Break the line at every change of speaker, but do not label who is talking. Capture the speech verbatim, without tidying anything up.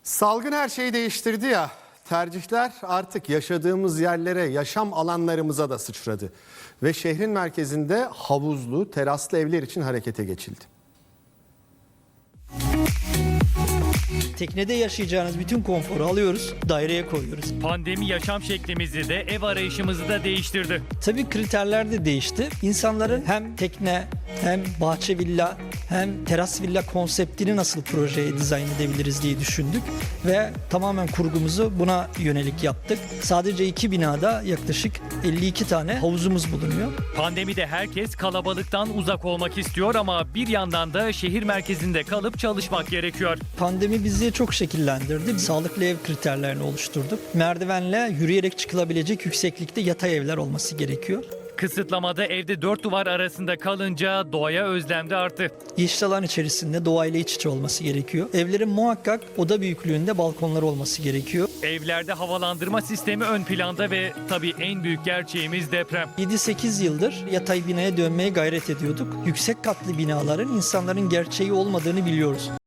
Salgın her şeyi değiştirdi ya. Tercihler artık yaşadığımız yerlere, yaşam alanlarımıza da sıçradı. Ve şehrin merkezinde havuzlu, teraslı evler için harekete geçildi.
Teknede yaşayacağınız bütün konforu alıyoruz, daireye koyuyoruz.
Pandemi yaşam şeklimizi de ev arayışımızı da değiştirdi.
Tabii kriterler de değişti. İnsanların hem tekne, hem bahçe villa, hem teras villa konseptini nasıl projeye dizayn edebiliriz diye düşündük. Ve tamamen kurgumuzu buna yönelik yaptık. Sadece iki binada yaklaşık elli iki tane havuzumuz bulunuyor.
Pandemide herkes kalabalıktan uzak olmak istiyor ama bir yandan da şehir merkezinde kalıp çalışmak gerekiyor.
Pandemi bizi çok şekillendirdi. Sağlıklı ev kriterlerini oluşturduk. Merdivenle yürüyerek çıkılabilecek yükseklikte yatay evler olması gerekiyor.
Kısıtlamada evde dört duvar arasında kalınca doğaya özlem de arttı.
Yeşil alan içerisinde doğayla iç içe olması gerekiyor. Evlerin muhakkak oda büyüklüğünde balkonları olması gerekiyor.
Evlerde havalandırma sistemi ön planda ve tabii en büyük gerçeğimiz deprem.
yedi sekiz yıldır yatay binaya dönmeye gayret ediyorduk. Yüksek katlı binaların insanların gerçeği olmadığını biliyoruz.